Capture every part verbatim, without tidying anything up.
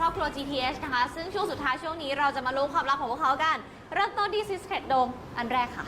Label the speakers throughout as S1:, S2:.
S1: อบครัว จี ที เอช นะคะซึ่งช่วงสุดท้ายช่วงนี้เราจะมารู้ความลับของพวกเขากันเริ่มต้นที่ Secret Dome อันแรกค่ะ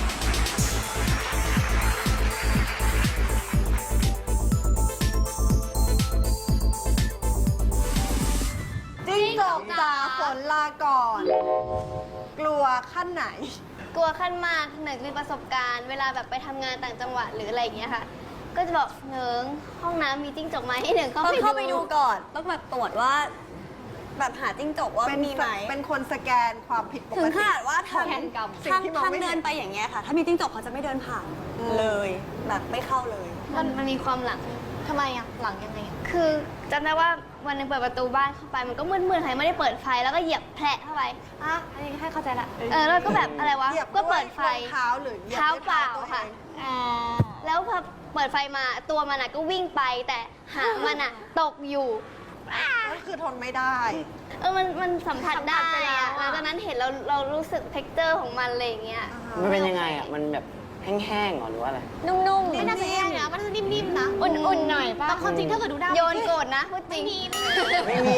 S2: จิ้งจกจ๋าฝนลาก่อน กลัวขั้นไหน
S3: กลัวขั้นมากหนึ่งมีประสบการณ์เวลาแบบไปทำงานต่างจังหวัดหรืออะไรอย่างเงี้ยค่ะ ก็จะบอกหนึ่งห้องน้ำมีจิ้งจกไหมให้หนึ่งเข้า
S4: ต้อง
S3: ไป
S4: เข้าไปดูก่อน ต้องแบบตรวจว่า แบบหาจิ้งจกว่า
S2: เป็น
S4: มีไหม
S2: เป็นคนสแกนความผิดปก
S4: ถึงข
S2: ติ
S4: นาดว่าทาง
S1: แผนกรรม
S2: สิ่ง
S4: ทาง
S2: ที่มอง
S4: ทาง
S2: ไม่เห็น
S4: เดินไปอย่างเงี้ยค่ะ ถ้ามีจิ้งจกเขาจะไม่เดินผ่านเลย แบบไม่เข้าเลย
S3: มันมันมีความหลัง
S1: ทำไมอ่ะหลังยังไง
S3: คือจำได้ว่าวันหนึงเปิดประตูบ้านเข้าไปมันก็มืดๆใครไม่ได้เปิดไฟแล้วก็เหยียบแผลเข้าไป
S1: อ่ะอันนี้ให้เข้าใจละ
S3: เออแล้วก็แบบอะไรวะ
S2: เหยียบ
S3: ก็เปิดไฟ
S2: ด้วยรองเท้าหรือหยียบ
S3: เท้า
S2: ด้วย
S3: เปล่า
S2: ตัวอง
S3: ค่ะ แล้วพอเปิดไฟมาตัวมันอะก็วิ่งไปแต่หางมันอะตกอยู่
S2: ก็คือทนไม่ได้
S3: เออมันมันสัมผัส
S1: สัมผั
S3: ได้
S1: สไปแล้ว
S3: อะ
S1: อะ
S3: หลังจากนั้นเห็นเราเรารู้สึกเท็กเจอร์ของมันอะไรอย่างเงี้ย
S5: มันเป็นยังไงอ่ะ มันแบบแห้งๆเหรอหรือว่าอะไร
S1: นุ่มๆไม่น่าจะแย่นะมันจะนิ่มๆนะอุ่นๆหน่อยป่ะแต่ความจริงถ้าเกิดดูได้
S3: โยนโกรธนะพูดจริง
S5: ไม่มี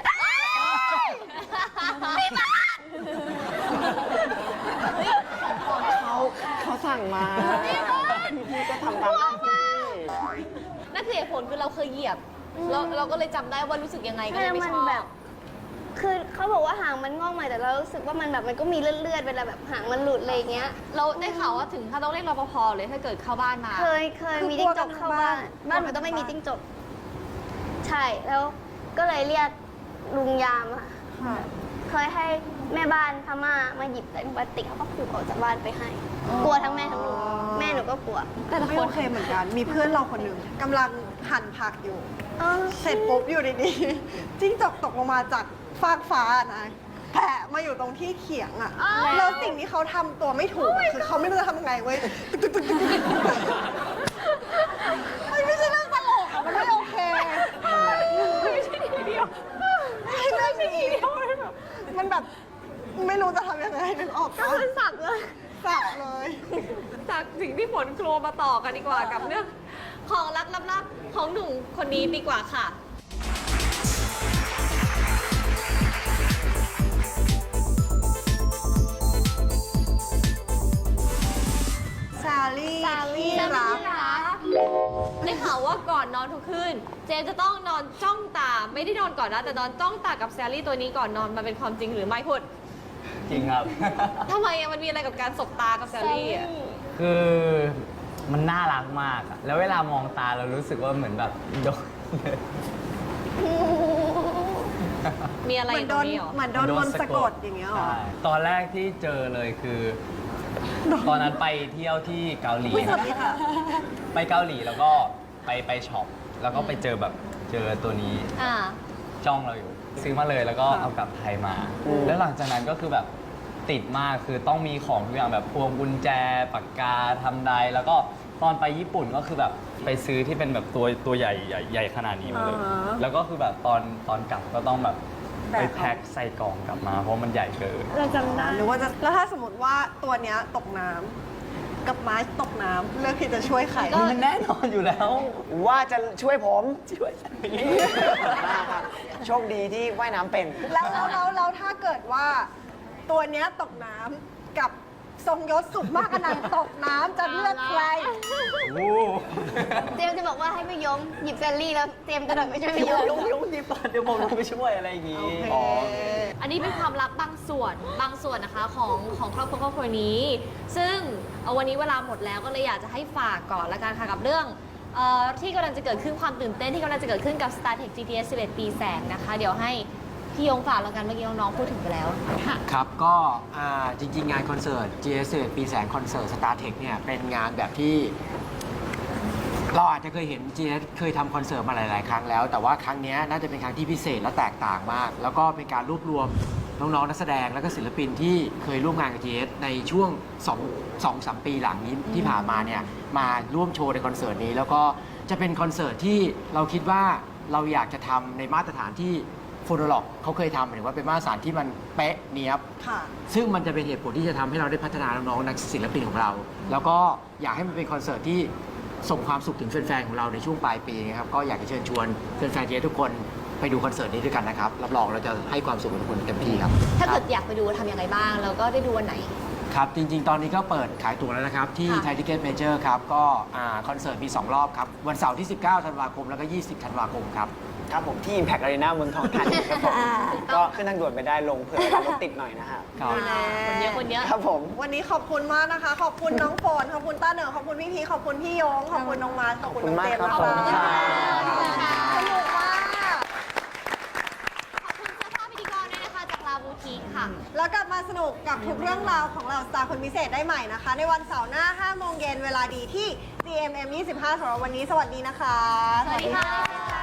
S5: เขาเขาสั่งมาพี่ก็ทำตามหน้าที่
S1: นั่นคือเหตุผลคือเราเคยเหยียบเราเราก็เลยจำได้ว่ารู้สึกยังไงก็เลยไม่
S3: มั
S1: ชอบ
S3: แบบ คือเขาบอกว่าหางมันงอกใหม่แต่เรารู้สึกว่ามันแบบมันก็มีเลือดๆเวลาแบบหางมันหลุดอะไรอย่างเงี้ย
S1: เราได้ข่าวว่าถึงถ้าต้องเรียกรปภเลยถ้าเกิดเข้าบ้านมา
S3: เคยเคย
S2: คือ
S3: มีจิ้งจก
S2: กลัวกันทั้ง
S3: เข้าบ้าน
S2: บ้าน
S3: บ้านมันต้องไม่มีจิ้งจก ใช่แล้วก็เลยเรียกลุงยามอะ
S2: ค่ะ
S3: เคยให้แม่บ้านพม่ามาหยิบใส่ถุงพลาสติกเขาก็ผูกออกจากบ้านไปให้ กลัวทั้งแม่ทั้งลูกแม่หนูก็กลัว
S2: แต่ละคนโอเคเหมือนกัน มีเพื่อนเราคนหนึ่งกำลังหั่นผักอยู่
S3: เออ
S2: เสร็จปุ๊บอยู่ดีๆ จิ้งจกตกลงมาจากฟากฟ้านะแผลมาอยู่ตรงที่เขียงอ่ะ แล้วสิ่งที่เขาทำตัวไม่ถูกอะคือเขาไม่รู้จะทำยังไงเว้ยตึกตึกตึกตึกตึกมันไม่ใช่เรื่องตลกอะมันไม่โอเคไม่ใช่ทีเดียวไม่ใช่ทีเดียวมันแบบไม่รู้จะทำยังไงนึกออกปะ
S1: มันสับเลย
S2: สับเลย
S1: จากสิ่งที่ฝนโครมาต่อกันดีกว่ากับเรื่องของรักลับๆของหนุ่มคนนี้ดีกว่าค่ะ
S2: ซาลี่ที่รัก
S1: ได้ข่าวว่าก่อนนอนทุกคืนเจมส์จะต้องนอนจ้องตาไม่ได้นอนก่อนนะแต่นอนจ้องตากับแซลลี่ตัวนี้ก่อนนอนมันเป็นความจริงหรือไม่พุด
S5: จริงครับ
S1: ทำไมอะมันมีอะไรกับการสบตากับแซลลี่อะ
S5: คือมันน่ารักมากอะแล้วเวลามองตาเรารู้สึกว่าเหมือนแบบโดน
S1: มีอะไร
S2: เหมือน
S1: ต
S2: โด
S1: รง
S2: น
S1: นี้เหรอ
S2: เหมือนโดนมนต์สะกดอย่างเงี้ยเหรอ
S5: ใช่ตอนแรกที่เจอเลยคือ ตอนนั้นไปเที่ยวที่เกาหลี
S2: อุ๊ยสวัสดีค่ะ
S5: ไปเกาหลีแล้วก็ไปไปช็อปแล้วก็ไปเจอแบบเจอตัวนี้
S1: อ่า
S5: จ้องเราอยู่ ซื้อมาเลยแล้วก็เอากลับไทยมา แล้วหลังจากนั้นก็คือแบบติดมากคือต้องมีของทุกอย่างแบบพวงกุญแจปากกาทำไดแล้วก็ตอนไปญี่ปุ่นก็คือแบบไปซื้อที่เป็นแบบตัวตัวใหญ่ใหญ่ใหญ่ขนาดนี้มาเลย
S2: อ่าฮะ
S5: แล้วก็คือแบบตอนตอนกลับก็ต้องแบบ
S2: แบก
S5: ไปแพ็คใส่กล่องกลับมาเพราะมันใหญ่เกิน
S2: เราจำได้หรือว่าจะแล้วถ้าสมมติว่าตัวเนี้ยตกน้ำกับไม้ตกน้ำเลือกที่จะช่วยใคร
S5: มันแน่นอนอยู่แล้ว
S6: ว่าจะช่วยผมช่วยโชคดีที่ว่ายน้ำเป็น
S2: แล้วแล้วแล้วแล้วถ้าเกิดว่าตัวเนี้ยตกน้ำกับทรงยศสุดมากอนันต์ตกน้ำจะเลือกใคร
S3: เจมส์จะบอกว่าให้ไม่ยมหยิบแซลลี่แล้วเจมส์กระโดดไปช่วยไม่ยม
S5: ลุงลุงดีป่ะเดี๋ยวผมลงไปช่วยอะไรอย่างงี้
S2: โอเค
S5: อ๋อ
S1: อันนี้เป็นความลับบางส่วนบางส่วนนะคะของของครอบครัวครอบครัวนี้ ซึ่งเอาวันนี้เวลาหมดแล้วก็เลยอยากจะให้ฝากก่อนละกันค่ะกับเรื่องเออที่กำลังจะเกิดขึ้นความตื่นเต้นที่กำลังจะเกิดขึ้นกับ StarTech จี ที เอส สิบเอ็ด ปีแสงนะคะ เดี๋ยวให้พี่ยงฝากแล้วกันเมื่อกี้น้องๆพูดถึงไปแล้วค่ะ
S6: ครับก็อ่าจริง ๆ งานคอนเสิร์ต จี เอส ปีแสงคอนเสิร์ต StarTech เนี่ยเป็นงานแบบที่ เราอาจจะเคยเห็น จี เอส เคยทำคอนเสิร์ตมาหลาย ๆ ครั้งแล้ว แต่ว่าครั้งนี้น่าจะเป็นครั้งที่พิเศษและแตกต่างมาก แล้วก็เป็นการรวบรวมน้อง ๆ นักแสดงและก็ศิลปินที่เคยร่วมงานกับ จี เอส ในช่วง2 2 3 ปีหลังนี้ที่ผ่านมาเนี่ยมาร่วมโชว์ในคอนเสิร์ตนี้ แล้วก็จะเป็นคอนเสิร์ตที่เราคิดว่าเราอยากจะทำในมาตรฐานที่โฟโนล็อกเขาเคยทำหมายถึงว่าเป็นมาตรฐานที่มันเป๊ะเนียบ
S2: ค่ะ
S6: ซึ่งมันจะเป็นเหตุผลที่จะทำให้เราได้พัฒนาน้องๆนักศิลปินของเรา แล้วก็อยากให้มันเป็นคอนเสิร์ตที่ส่งความสุขถึงแฟนๆของเราในช่วงปลายปีนะครับ ก็อยากจะเชิญชวนแฟนๆเจทุกคนไปดูคอนเสิร์ตนี้ด้วยกันนะครับรับรองเราจะให้ความสุขกับทุกคนเต็มที่ครับ
S1: ถ้าเกิดอยากไปดูทำยังไงบ้าง แล้วก็ได้ดูวันไหน
S6: ครับ จริง ๆ ตอนนี้ก็เปิดขายตั๋วแล้วนะครับ ที่
S1: ค่ะ
S6: ไทยทิเก็ตเมเจอร์ครับ ก็อ่าคอนเสิร์ตมี สอง รอบครับ วันเสาร์ที่ สิบเก้า ธันวาคม แล้วก็ ยี่สิบ ธันวาคมครับ
S7: ครับผมที่ Impact Arena เมืองทองธานีครับผม ก็ขึ้นทางด่วนไปได้ลงเผื่อเวลารถติดหน่อยนะครับ
S6: ครับ
S1: คนเยอะคนเยอะ
S7: ครับผม
S2: วันนี้ขอบคุณมากนะคะ ขอบคุณน้องฝนขอบคุณต้าเหนิงขอบคุณพี่พีขอบคุณพี่โยงขอบคุณน้องมาร์คขอบคุณน้องเจมส์
S7: ขอบคุณมากครับ
S2: สนุกมาก
S1: ขอบคุณเสื้อผ้าพิธีกรด้วยนะคะจากลาบูทีค่ะ
S2: แล้วกลับมาสนุกกับทุกเรื่องราวของเราสตาร์คนพิเศษได้ใหม่นะคะ ในวันเสาร์หน้า ห้า โมงเย็นเวลาดีที่ ซี เอ็ม เอ็ม ยี่สิบห้า สำหรับวันนี้สวัสดีนะคะ
S1: สวัสดีค่ะ